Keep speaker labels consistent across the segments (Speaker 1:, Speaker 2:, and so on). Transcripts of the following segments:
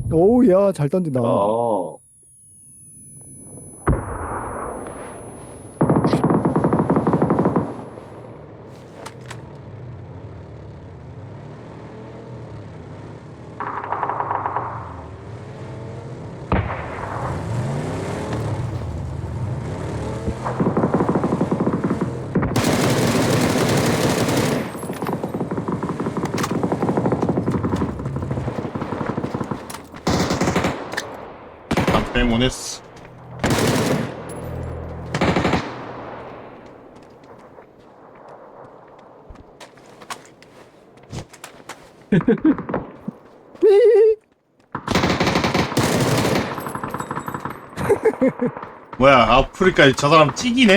Speaker 1: 오우, 야, 잘 던진다.
Speaker 2: 어,
Speaker 3: 안 빼문했어. 뭐야, 아프리카 저 사람 찌기네?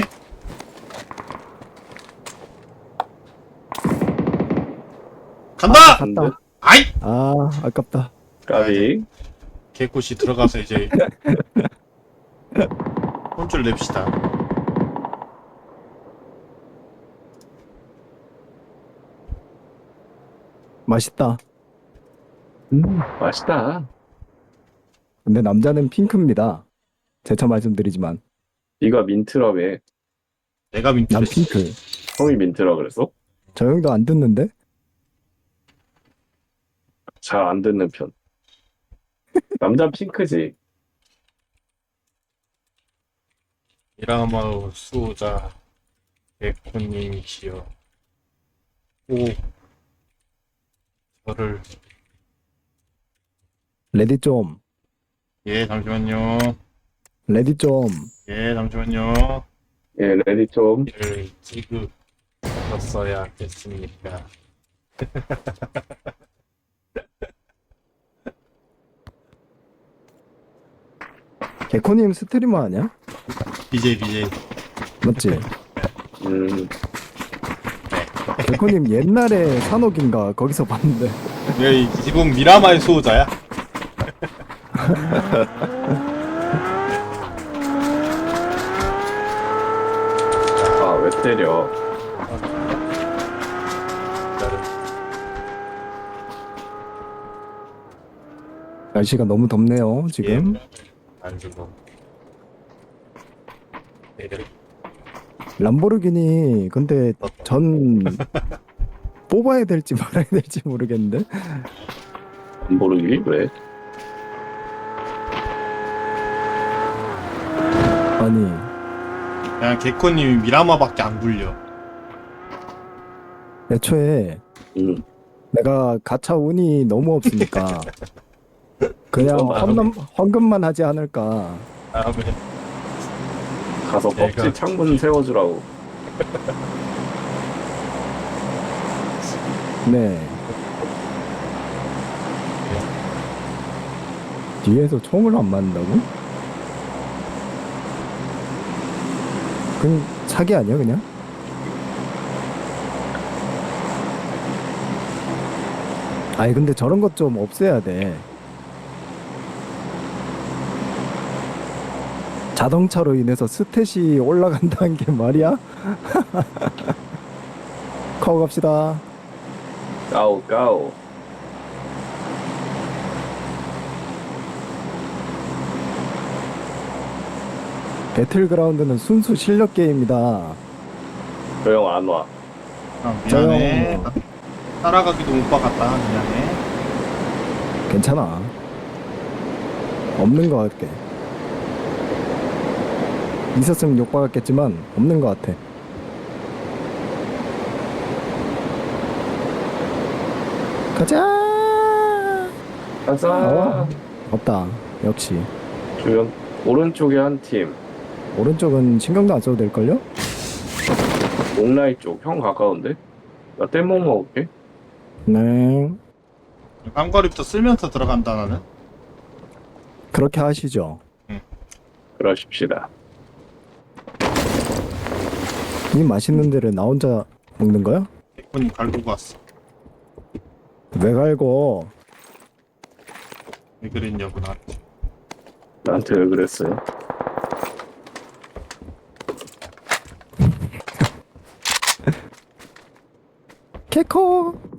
Speaker 3: 간다!
Speaker 1: 갔다.
Speaker 3: 아이!
Speaker 1: 아, 아깝다.
Speaker 2: 까비.
Speaker 3: 개꽃이 들어가서 이제 혼쭐 냅시다.
Speaker 1: 맛있다.
Speaker 2: 맛있다.
Speaker 1: 근데 남자는 핑크입니다. 재차 말씀드리지만.
Speaker 2: 네가 민트라며.
Speaker 3: 내가
Speaker 1: 난
Speaker 3: 민트를
Speaker 1: 핑크.
Speaker 2: 형이 민트라 그랬어?
Speaker 1: 저 형도 안 듣는데?
Speaker 2: 잘 안 듣는 편. 남자 핑크지.
Speaker 3: 이라마우 수호자 백호님이시여. 오, 저를.
Speaker 1: 레디 좀.
Speaker 3: 예, 잠시만요.
Speaker 1: 레디 좀.
Speaker 3: 예, 잠시만요.
Speaker 2: 예, 레디 좀.
Speaker 3: 이를 찍었어야겠습니까?
Speaker 1: 개코님 스트리머 아니야?
Speaker 3: BJ.
Speaker 1: 맞지?
Speaker 2: 음,
Speaker 1: 개코님 옛날에 산옥인가 거기서 봤는데.
Speaker 3: 왜 지금 미라마의 수호자야?
Speaker 2: 아, 왜 때려?
Speaker 1: 날씨가 너무 덥네요, 지금.
Speaker 3: 안 주고. 내려.
Speaker 1: 람보르기니, 근데 전 뽑아야 될지 말아야 될지 모르겠는데.
Speaker 2: 안 모르기? 왜?
Speaker 1: 아니,
Speaker 3: 그냥 개코님이 미라마밖에 안 굴려.
Speaker 1: 애초에
Speaker 2: 음,
Speaker 1: 내가 가차 운이 너무 없으니까 그냥 헌금만 하지 않을까.
Speaker 3: 다음에
Speaker 2: 가서
Speaker 3: 내가-
Speaker 2: 펍지 창문 세워주라고.
Speaker 1: 네. 뒤에서 총을 안 맞는다고? 그냥 사기 아니야, 그냥? 아니, 근데 저런 것 좀 없애야 돼. 자동차로 인해서 스탯이 올라간다는 게 말이야? 커 갑시다.
Speaker 2: 까오, 까오.
Speaker 1: 배틀그라운드는 순수 실력 게임이다.
Speaker 2: 저 형 안 와.
Speaker 3: 미안해. 따라가기도 못 박았다. 미안해.
Speaker 1: 괜찮아. 없는 것 같게. 있었으면 욕박았겠지만 없는 것 같아. 가자.
Speaker 2: 가자.
Speaker 1: 없다. 역시
Speaker 2: 주변 오른쪽에 한 팀.
Speaker 1: 오른쪽은 신경도 안 써도 될걸요?
Speaker 2: 옥라이 쪽. 형 가까운데? 나 뗏목 먹을게.
Speaker 1: 네.
Speaker 3: 깜거리부터 쓸면서 들어간다 나는.
Speaker 1: 그렇게 하시죠.
Speaker 2: 그러십시다.
Speaker 1: 이 맛있는 데를 나 혼자 먹는 거야?
Speaker 3: 개코님 갈고 갔어.
Speaker 1: 왜 갈고?
Speaker 3: 왜 그랬냐고 나한테.
Speaker 2: 나한테 왜 그랬어요?
Speaker 1: 개코.